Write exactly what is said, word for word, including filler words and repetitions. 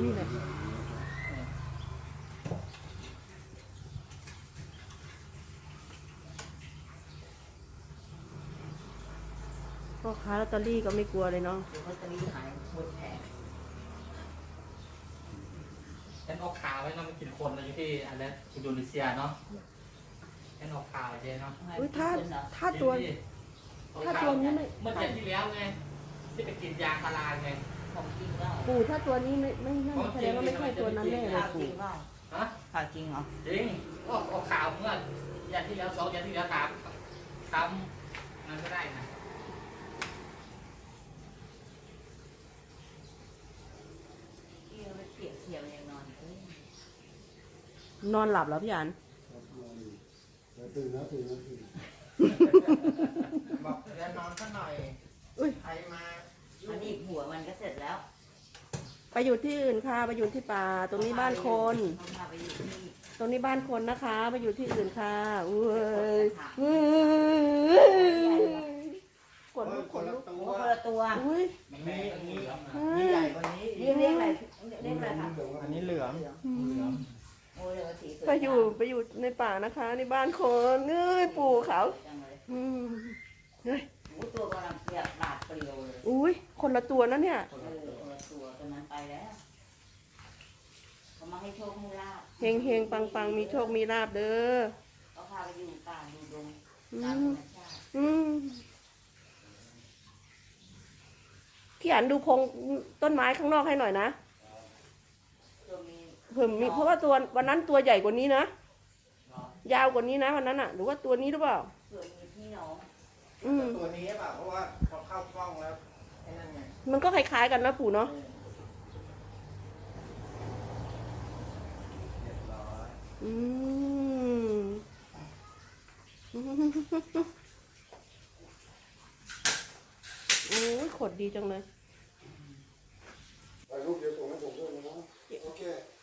นี่แหละพ่อค้าลอตเตอรี่ก็ไม่กลัวเลยเนาะลอตเตอรี่หายหมดแผงฉันออกข่าวไว้เนาะมันกินคนอยู่ที่อะไรอินโดนีเซียเนาะฉันออกข่าวเจ๊เนาะอุ้ยถ้าถ้าตัวถ้าตัวนี้ไม่เมื่อเดือนที่แล้วไงที่ไปกินยาพาราไงของจริงเปล่าปู่ถ้าตัวนี้ไม่ไม่นั่นแสดงว่าไม่ใช่ตัวนั้นแน่เลยข่าวจริปู่งเปล่าฮะข่าวจริงเหรอจริงออกออกข่าวเมื่อเดือนที่แล้วสองเดือนที่แล้วถามทำมันก็ได้นะที่เราไปเปรียบเทียบยังนอนเอ้ยนอนหลับแล้วพี่อันตื่นแล้วตื่นแล้วตื่นบอกเดี๋ยวนอนสักหน่อยอุ้ยใครมามันอีกหัวมันก็เสร็จแล้วไปอยู่ที่อื่นค่ะไปอยู่ที่ป่าตรงนี้บ้านคนเขาพาไปอยู่ที่ตรงนี้บ้านคนนะคะไปอยู่ที่อื่นค่ะอุ้ยอุ้ยขนลุกขนลุกตัโอ้วคนละตัวอุ้ยมันแม่ก็เหลือมนะมีใหญ่กว่านี้เรียกเรียกอะไรเรียกอะไรคะอันนี้เหลืองอืมโอ้เรียกว่าสีสวยไปอยู่ไปอยู่ในป่านะคะในบ้านคนเอ้ยปู่เขาจังเลยอืมเฮ้ยโอ้ตัวกำลังเปรียบบาดเปรียวเลยอุ้ยคนละตัวนะเนี่ยเออคนละตัวตัวนั้นไปแล้วเขามาให้โชคให้ลาบเฮงเฮงปังปังมีโชคมีลาบเด้อเขาพาไปอยู่ป่าอยู่ดงอืตามธรมรมชาติอืมพี่อันดูพงต้นไม้ข้างนอกให้หน่อยนะตัวมีเพิ่มมีเพราะว่าตัววันนั้นตัวใหญ่กว่านี้นะยาวกว่านี้นะวันนั้นอ่ะ หรือว่าตัวนี้หรือเปล่าตัวมีพี่น้องอืมตัวนี้เปล่าเพราะว่าพอเข้ากล้องแล้วไอ้นั่นไงมันก็คล้ายๆกันนะปู่เนาะเรียบร้อยอืมโอ้ยขดดีจังเลยถ่ายรูปเดี๋ยวส่งให้ผมด้วยนะโอเค